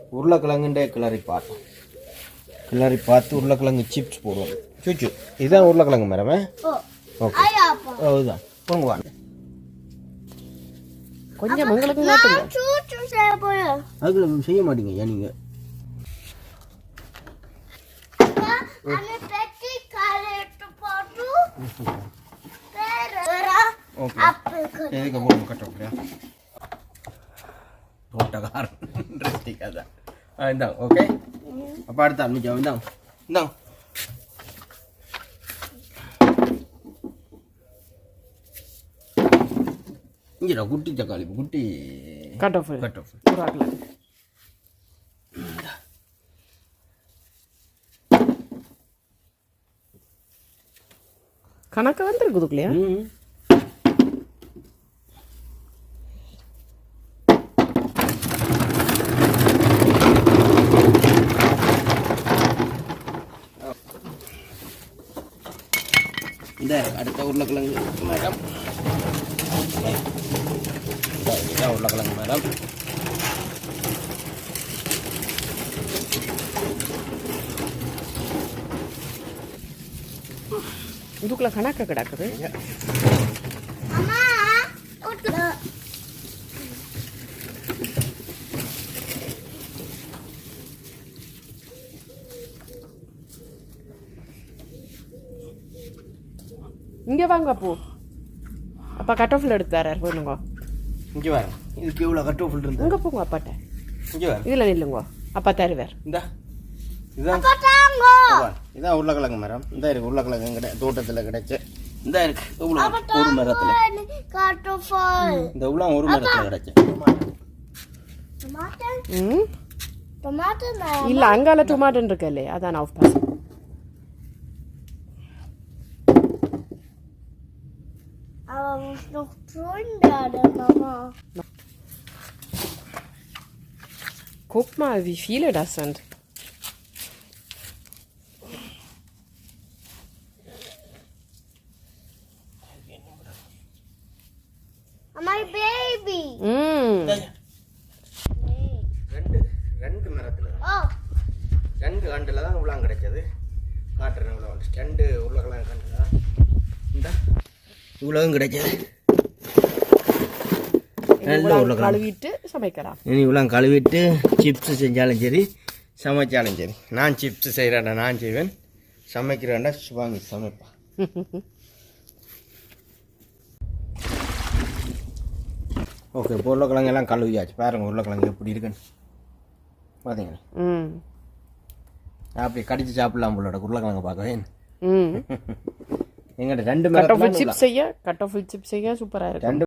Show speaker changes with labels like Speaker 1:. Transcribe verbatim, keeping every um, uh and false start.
Speaker 1: உருளைக்கிழங்குண்டே கிளறி பார்த்தோம். கிளறி பார்த்து உருளைக்கிழங்கு சிப்ஸ் போடுவோம். சூச்சு இதுதான் உருளைக்கிழங்கு மேடமே. ஓகே அதுதான் போங்க வாங்க.
Speaker 2: கொஞ்சம் உங்களுக்கு
Speaker 1: அதுக்குள்ள செய்ய மாட்டீங்க ஏன் நீங்கள்? எதுக்கு போகணும் கட்டோக்கலையா தோட்டக்காரன் இன்ட்ரெஸ்டிங்காக தான் இந்தாங்க. ஓகே அப்போ அடுத்த ஆரம்பிச்சோம். இந்தாங்க இந்தாங்க இங்கடா குட்டி தக்காளி குட்டி
Speaker 2: கட் ஆஃப்
Speaker 1: கட் ஆஃப்
Speaker 2: கணக்கு வந்துருக்குதுக்குலையா?
Speaker 1: இந்த அடுத்த உருளைக்கிழங்கு மேடம். இதான் உருளைக்கிழங்கு மேடம்.
Speaker 2: இதுக்குள்ள கணக்கு கிடக்குது. இங்கே வாங்க அப்போ. அப்பா கட் ஆஃபில் எடுத்து தரார் போயிருங்க.
Speaker 1: இங்கே வாங்க. இதுக்கு எவ்வளோ கட் ஆஃபில் இருந்து
Speaker 2: இங்கே போங்க அப்பாட்ட.
Speaker 1: இங்கே வாங்க.
Speaker 2: இதில் நில்லுங்க அப்பா தருவார்.
Speaker 1: இந்த இதான் இதான் உருளைக்கிழங்கு மரம். இந்த இருக்கு உருளைக்கிழங்கு கிடை தோட்டத்தில் கிடைச்ச இந்த இருக்கு இவ்வளோ ஒரு மரத்தில் இந்த இவ்வளோ ஒரு மரத்தில் கிடைச்ச.
Speaker 2: ம் இல்லை அங்கால டொமாட்டோன்னு இருக்கு இல்லையா அதான் off boss. Guck mal, wie viele das sind.
Speaker 3: My baby.
Speaker 2: Mm.
Speaker 1: ரெண்டு ரெண்டு மரத்தில் ரெண்டு கண்டில் தான் இவ்வளோ கிடைச்சது. காட்டுறேன் இவ்வளோ ரெண்டு உருளைக்கிழங்கு கண்டில் தான் இந்த இவ்வளவும் கிடைச்சது.
Speaker 2: கழுவிட்டு சமைக்கலாம்.
Speaker 1: இனி இவ்வளோ கழுவிட்டு சிப்ஸு செஞ்சாலும் சரி சமைச்சாலும் சரி. நான் சிப்ஸு செய்கிறேன்டா நான் செய்வேன், சமைக்கிறேன்டா வாங்கி சமைப்பேன். ஓகே இப்போ உருளைக்கிழங்கு எல்லாம் கழுவியாச்சு. பாருங்க உருளைக்கிழங்கு எப்படி இருக்குன்னு பார்த்தீங்களா?
Speaker 2: ம்
Speaker 1: அப்படி கடிச்சு சாப்பிடலாம் போலோட உருளைக்கிழங்கு பார்க்கவே.
Speaker 2: ம்
Speaker 1: எங்கிட்ட ரெண்டு
Speaker 2: கட் ஆஃப் சிப்ஸ் செய்ய கட் ஆஃப் சிப்ஸ் செய்ய சூப்பராக இருக்கும்.